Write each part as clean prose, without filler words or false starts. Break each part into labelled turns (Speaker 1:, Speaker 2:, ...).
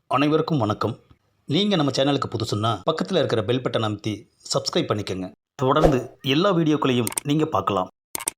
Speaker 1: அனைவருக்கும் வணக்கம். நீங்கள் நம்ம சேனலுக்கு புதுசுன்னா பக்கத்தில் இருக்கிற பெல் பட்டனை அமைத்தி சப்ஸ்கிரைப் பண்ணிக்கோங்க. தொடர்ந்து எல்லா வீடியோக்களையும் நீங்கள் பார்க்கலாம்.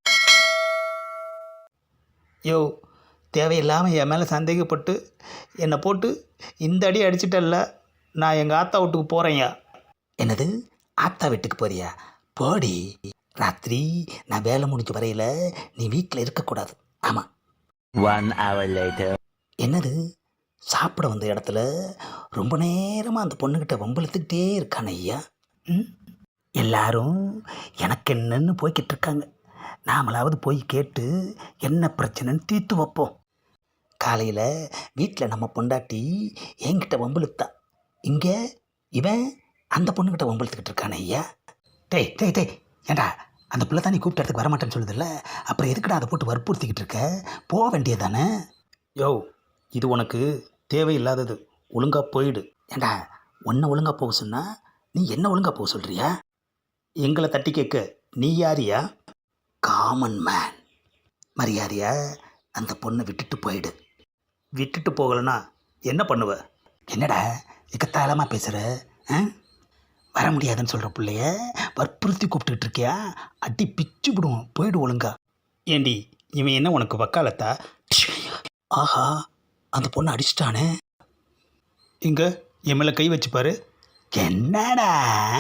Speaker 1: யோ, தேவையில்லாமல் என் மேலே சந்தேகப்பட்டு என்னை போட்டு இந்த அடி அடிச்சிட்டல்ல, நான் எங்கள் ஆத்தா வீட்டுக்கு போகிறேன்யா. என்னது, ஆத்தா வீட்டுக்கு போறியா? போடி. ராத்திரி நான் வேலை முடிஞ்ச வரையில் நீ வீட்டில் இருக்கக்கூடாது. ஆமாம்.
Speaker 2: 1 hour later.
Speaker 1: என்னது, சாப்பிட வந்த இடத்துல ரொம்ப நேரமாக அந்த பொண்ணுக்கிட்ட வம்பிழுத்துக்கிட்டே இருக்கான ஐயா. எல்லாரும் எனக்கு என்னன்னு போய்கிட்டு இருக்காங்க. நாமளாவது போய் கேட்டு என்ன பிரச்சனைன்னு தீர்த்து வைப்போம். காலையில் வீட்டில் நம்ம பொண்டாட்டி என்கிட்ட வம்பிழுத்தா, இங்கே இவன் அந்த பொண்ணுக்கிட்ட வம்பிழுத்துக்கிட்டு இருக்கான ஐயா. டேய் டேய் டேய், ஏண்டா அந்த பிள்ளை தான் நீ கூப்பிட்ட இடத்துக்கு வரமாட்டேன்னு சொல்லுதில்ல, அப்புறம் எதுக்குடா அதை போட்டு வற்புறுத்திக்கிட்டு இருக்க? போக வேண்டியதானே? யோ, இது உனக்கு தேவையில்லாதது. ஒழுங்காக போயிடு. ஏண்டா, உன்னை ஒழுங்காக போக சொன்னால் நீ என்ன ஒழுங்காக போக சொல்கிறியா? எங்களை தட்டி கேட்க நீ யாரியா? Common man. மரியாதையா அந்த பொண்ணை விட்டுட்டு போயிடு. விட்டுட்டு போகலைன்னா என்ன பண்ணுவ? என்னடா எக்கத்தாளமாக பேசுகிற? வர முடியாதுன்னு சொல்கிற பிள்ளைய வற்புறுத்தி கூப்பிட்டுக்கிட்டு இருக்கியா? அடி பிச்சு விடுவோம். போயிடு ஒழுங்கா. ஏண்டி, இவன் என்ன உனக்கு வக்காலத்தா? ஆஹா, அந்த பொண்ணை அடிச்சிட்டானே. இங்கே என் மேலே கை வச்சுப்பாரு. என்னடா?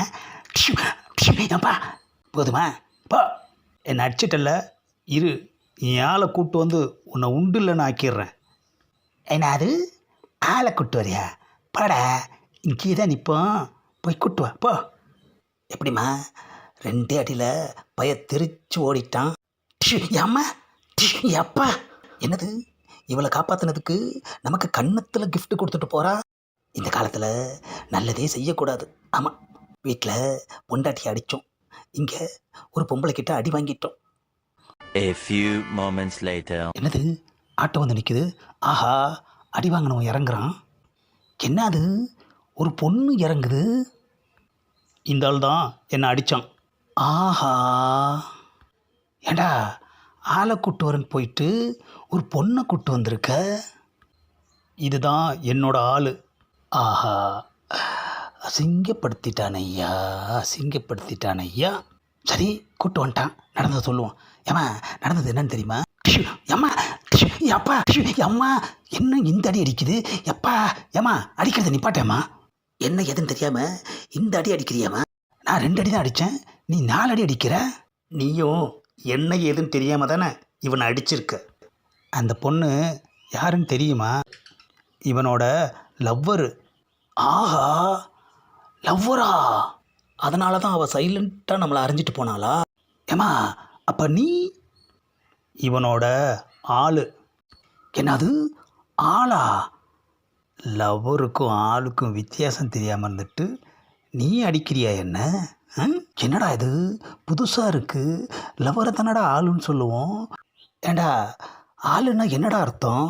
Speaker 1: அப்பா போதுமா? போ. என்னை அடிச்சிட்டல, இரு, என் ஆளை கூப்பிட்டு வந்து உன்னை உண்டு இல்லைன்னு ஆக்கிடுறேன். என்ன அது, ஆளை கூப்பிட்டு வரியா? பாடா, இங்கே தான் நிற்போம், போய் கூட்டு வா போ. எப்படிம்மா? 2 அடியில் பய தெரிச்சு ஓடிட்டான். அம்மா, அப்பா. என்னது, இவளை காப்பாற்றினதுக்கு நமக்கு கன்னத்தில் gift கொடுத்துட்டு போகிறா. இந்த காலத்தில் நல்லதே செய்யக்கூடாது. ஆமாம், வீட்டில் பொண்டாட்டி அடித்தோம், இங்கே ஒரு பொம்பளை கிட்ட அடி வாங்கிட்டோம்.
Speaker 2: A few moments later.
Speaker 1: என்னது, ஆட்டோ வந்து நிற்குது. ஆஹா, அடி வாங்கினவன் இறங்குறான். என்ன அது, ஒரு பொண்ணு இறங்குது. இந்த ஆள் தான் என்னை அடித்தான். ஆஹா, ஏண்டா ஆளை கூட்டு வரேன்னு போயிட்டு ஒரு பொண்ணை கூட்டு வந்திருக்க. இதுதான் என்னோட ஆள். ஆஹா, அசிங்கப்படுத்திட்டான் ஐயா, அசிங்கப்படுத்திட்டான் ஐயா. சரி, கூட்டு வந்துட்டான், நடந்ததை சொல்லுவோம். ஏம்மா, நடந்தது என்னன்னு தெரியுமா? ஏம்மா, அப்பா, அம்மா, என்ன இந்த அடி அடிக்குது? எப்பா, ஏம்மா, அடிக்கிறத நிப்பாட்டேம்மா. என்ன எதுன்னு தெரியாமல் இந்த அடி அடிக்கிறியாம்மா? நான் 2 அடி தான் அடித்தேன், நீ 4 அடி அடிக்கிற. நீயும் என்ன ஏதுன்னு தெரியாமல் தானே இவனை அடிச்சிருக்க. அந்த பொண்ணு யாருன்னு தெரியுமா? இவனோட லவ்வரு. ஆஹா, லவ்வரா? அதனால தான் அவள் சைலண்ட்டாக நம்மளை அறிஞ்சிட்டு போனாளா? ஏம்மா, அப்போ நீ இவனோட ஆள். என்னது, ஆளா? லவ்வருக்கும் ஆளுக்கும் வித்தியாசம் தெரியாமல் இருந்துட்டு நீ அடிக்கிறியா என்ன? என்னடா இது புதுசாக இருக்குது. லவ்வரை தானடா ஆளுன்னு சொல்லுவோம். ஏண்டா, ஆளுன்னா என்னடா அர்த்தம்?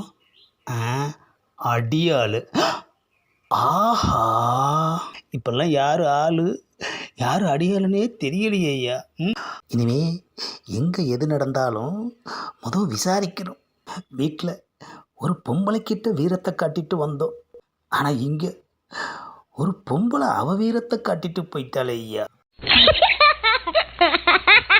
Speaker 1: அடியாள். ஆஹா, இப்பெல்லாம் யார் ஆள் யார் அடியாளுன்னே தெரியலையே ஐயா. இனிமே எங்கே எது நடந்தாலும் முதல் விசாரிக்கணும். வீட்டில் ஒரு பொம்பளைக்கிட்ட வீரத்தை காட்டிட்டு வந்தோம், ஆனால் இங்கே ஒரு பொம்பளை அவ வீரத்தை காட்டிட்டு போயிட்டாளே ஐயா.